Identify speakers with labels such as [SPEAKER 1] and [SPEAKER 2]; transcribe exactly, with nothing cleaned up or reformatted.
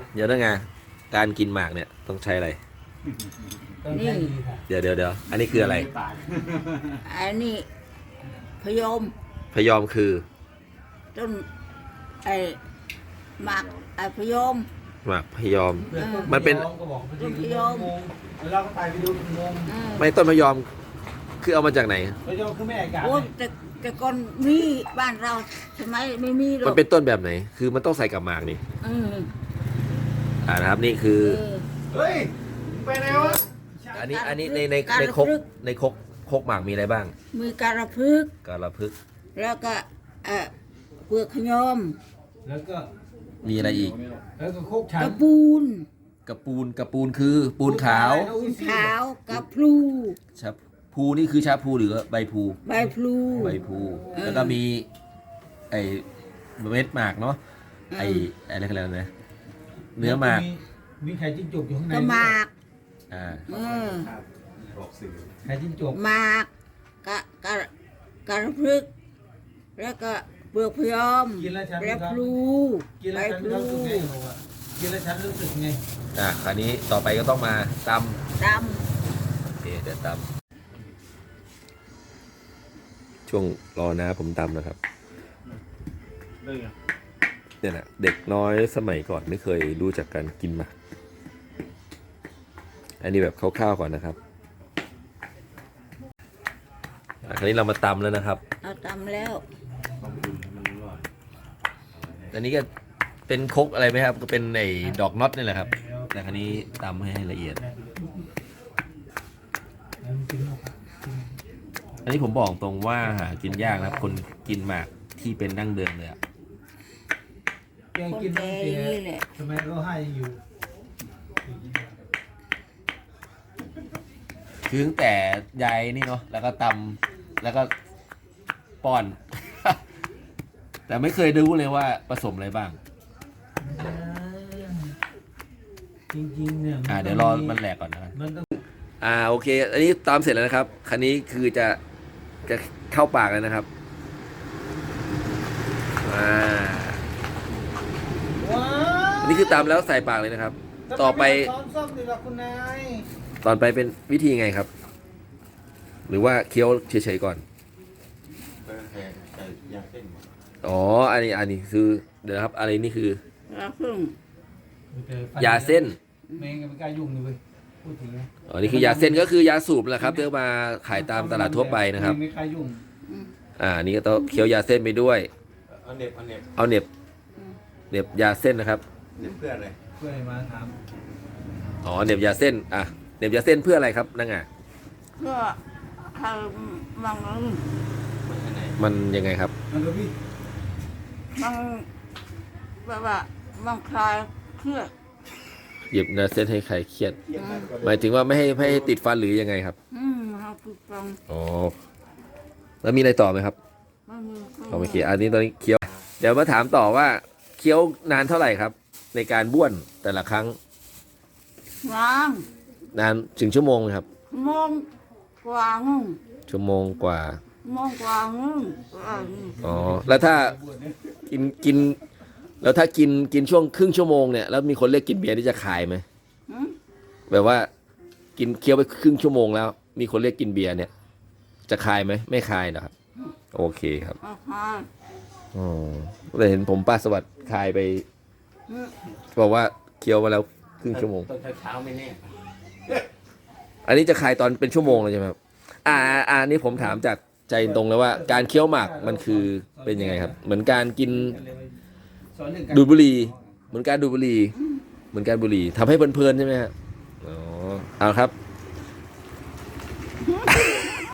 [SPEAKER 1] เดี๋ยวนะไงการกินหมากเนี่ยต้องใช้อะไร
[SPEAKER 2] นี่
[SPEAKER 1] เดี๋ยวเดี๋ยวเดี๋ยวอันนี้คืออะไร
[SPEAKER 2] อันนี้พยม
[SPEAKER 1] พยอมคือ
[SPEAKER 2] ต้นไอ้หมากไอ้พยม
[SPEAKER 1] หมากพยอม
[SPEAKER 2] เออ
[SPEAKER 1] มันเป็น
[SPEAKER 3] ก็บอกไป
[SPEAKER 2] ต้นพยม
[SPEAKER 3] เวลาก็ไปไปดูงง
[SPEAKER 2] เออ
[SPEAKER 1] ไม่ต้นพยอมคือเอามาจากไหน
[SPEAKER 3] พยอมคือแม่อากาศ
[SPEAKER 2] โอ้ยแต่แต่ก่อนมีบ้านเราใช่ไหมไม่มีหรอก
[SPEAKER 1] มันเป็นต้นแบบไหน คือมันต้องใส่กับหมากนี่
[SPEAKER 2] เออ
[SPEAKER 1] อ่านะครับนี่คือ
[SPEAKER 2] เออ
[SPEAKER 3] เฮ้ยไปไหนวะ
[SPEAKER 1] อันนี้อันนี้ในใน
[SPEAKER 2] การ
[SPEAKER 1] ใน
[SPEAKER 2] ระ
[SPEAKER 1] ครก
[SPEAKER 2] พึก
[SPEAKER 1] ในครกครกหมากมีอะไรบ้าง
[SPEAKER 2] มีการะพึกษ์
[SPEAKER 1] กาละพึก
[SPEAKER 2] แล้วก็เอ่อเปลือกขยม
[SPEAKER 3] แล้วก็
[SPEAKER 1] มีอะไรอีก
[SPEAKER 3] แล้วก็โคกชั
[SPEAKER 2] ก
[SPEAKER 3] น
[SPEAKER 2] ระปูน
[SPEAKER 1] กระปูนกระปูนคือปูนขาว
[SPEAKER 2] ปูนขาวกระพลู
[SPEAKER 1] ชาพูนี่คือชาพูหรือใบพู
[SPEAKER 2] ใบพลู
[SPEAKER 1] ใบพู
[SPEAKER 2] เออ
[SPEAKER 1] แล้วก็มีไอเม็ดหมากเนาะ
[SPEAKER 2] อืม
[SPEAKER 1] ไออะไรกันแล้วนะเนื้อหมาก
[SPEAKER 3] มีไข่จิ้งจกอยู่ข้างใน
[SPEAKER 2] ก็หมาก
[SPEAKER 1] อ่า
[SPEAKER 2] เออ
[SPEAKER 3] ไข่จิ้งจก
[SPEAKER 2] หมากกะกะกระพึกษ์แล้วก็เปลือกพยอม
[SPEAKER 3] กินแล้วฉัน
[SPEAKER 2] และพลู
[SPEAKER 3] กิน
[SPEAKER 2] ใบ
[SPEAKER 3] แล้วฉัน
[SPEAKER 2] พลู
[SPEAKER 3] รู้สึกไงบอกว่ากินแล้วฉันรู้สึกไง
[SPEAKER 1] อ่ะคราวนี้ต่อไปก็ต้องมาต
[SPEAKER 2] ด
[SPEAKER 1] ำโอเคเดี๋ยวตำช่วงรอนะผมตำนะครับเนี่ยนะเด็กน้อยสมัยก่อนไม่เคยรู้จักการกินหมากอันนี้แบบคร่าวๆก่อนนะครับอ่ะคราวนี้เรามาตำแล้วนะครับ
[SPEAKER 2] ำเราตำแล้ว
[SPEAKER 1] อันนี้ก็เป็นครกอะไรไหมครับก็เป็นไอ้ดอกน็อตนี่แหละครับ แต่คราวนี้ตำให้ละเอียด อันนี้ผมบอกตรงว่าหากินยากนะครับ คนกินหมากที่เป็นดั้งเดิมเลยอะ
[SPEAKER 3] แกงกินตั้งแต่สมัยเราให้อยู่
[SPEAKER 1] คือตั้งแต่ยายนี่เนาะแล้วก็ตำแล้วก็ป้อน แต่ไม่เคยรู้เลยว่าผสมอะไรบ้าง
[SPEAKER 3] จริงๆเนี่ย
[SPEAKER 1] อ่าเดี๋ยวรอมันแหลกก่อนนะครับ
[SPEAKER 3] มันต้อง
[SPEAKER 1] อ่าโอเค อันนี้ตามเสร็จแล้วนะครับ คันนี้คือจะจะเข้าปากแล้วนะครับอ่า
[SPEAKER 3] ว้า
[SPEAKER 1] อันนี้คือตามแล้วใส่ปากเลยนะครับ ต่อไป
[SPEAKER 3] ซ้อมซ่อมดีกว่าคุณนาย
[SPEAKER 1] ตอนไปเป็นวิธีไงครับ หรือว่าเคี้ยวเฉยๆก่อน อ๋อ อันนี้อันนี้คือเดี๋ยวนะครับ อะไรนี่คือ
[SPEAKER 2] แล้วพึ่ง
[SPEAKER 1] ยาเส้น
[SPEAKER 3] แมงก็ไม่กล้ายุ่งเลยเว้ยพูดถึงนะ
[SPEAKER 1] อ๋อ นี่คือยาเส้นก็คือยาสูบแหละครับที่เอามาขายตามตลาดทั่วไปนะครับ
[SPEAKER 3] ไม่กล้ายุ่ง
[SPEAKER 1] อ่า นี่ก็ต้องเคี้ยวยาเส้นไปด้วย
[SPEAKER 4] เอาเน็บเอาเน็บ
[SPEAKER 1] เอาเหน็บเหน็บยาเส้นนะครับ
[SPEAKER 4] เน็บเพื่ออะไร
[SPEAKER 3] เพื่อให้มาถาม
[SPEAKER 1] อ๋อเหน็บยาเส้น อ่ะเหน็บยาเส้นเพื่ออะไรครับนั่งอ่ะ
[SPEAKER 2] เพื่อให้มัน
[SPEAKER 4] มันอันไหน
[SPEAKER 1] มันยังไงครับ
[SPEAKER 3] มันก็พี่
[SPEAKER 2] มันแบบว่ามันคลายเครียด
[SPEAKER 1] เหยียบยาเส้นให้ใครเครียด
[SPEAKER 4] เยี่ยมมากกว่า
[SPEAKER 1] หมายถึงว่าไม่ให้ไม่ให้ติดฟันหรือยังไงครับ
[SPEAKER 2] อืมเราฝึกฟัง
[SPEAKER 1] อ๋อ แล้วมีอะไรต่อไหมครับ
[SPEAKER 2] ไม่มี
[SPEAKER 1] โอเค อันนี้ตอนนี้เคี้ยว เดี๋ยวมาถามต่อว่าเคี้ยวนานเท่าไหร่ครับ ในการบ้วนแต่ละครั้ง
[SPEAKER 2] งาน
[SPEAKER 1] นานถึงชั่วโมงไหมครับ
[SPEAKER 2] โมงกว่าหนึ่ง
[SPEAKER 1] ชั่วโมงกว่า
[SPEAKER 2] โมงกว่าหนึ่งอ่า
[SPEAKER 1] อ๋อ แล้วถ้ากินกิน แล้วถ้ากินกินช่วงครึ่งชั่วโมงเนี่ย แล้วมีคนเรียกกินเบียร์นี่จะขายไหม
[SPEAKER 2] อืม
[SPEAKER 1] แบบว่ากินเคี้ยวไปครึ่งชั่วโมงแล้ว มีคนเรียกกินเบียร์เนี่ย จะคายไหมไม่คายนะครับ โอเคครับ
[SPEAKER 2] อ่าฮะ
[SPEAKER 1] อ๋อแต่เห็นผมป้าสวัสดิ์คายไป
[SPEAKER 2] อืม
[SPEAKER 1] บอกว่าเคี้ยวมาแล้วครึ่งชั่วโมง
[SPEAKER 4] ตอนเช้าๆไม่แน่
[SPEAKER 1] อันนี้จะคายตอนเป็นชั่วโมงเลยใช่ไหมครับอ่าอ่าอันนี้ผมถามจากใจตรงเลยว่า การเคี้ยวหมากมันคือเป็นยังไงครับ เหมือนการกิน
[SPEAKER 3] สอนเรื่องการ
[SPEAKER 1] ดูดบุหรี่เหมือนการดูดบุหรี่เหมือนการบุหรี่ทำให้เพลินๆใช่ไหมฮะอ๋อเอาครับ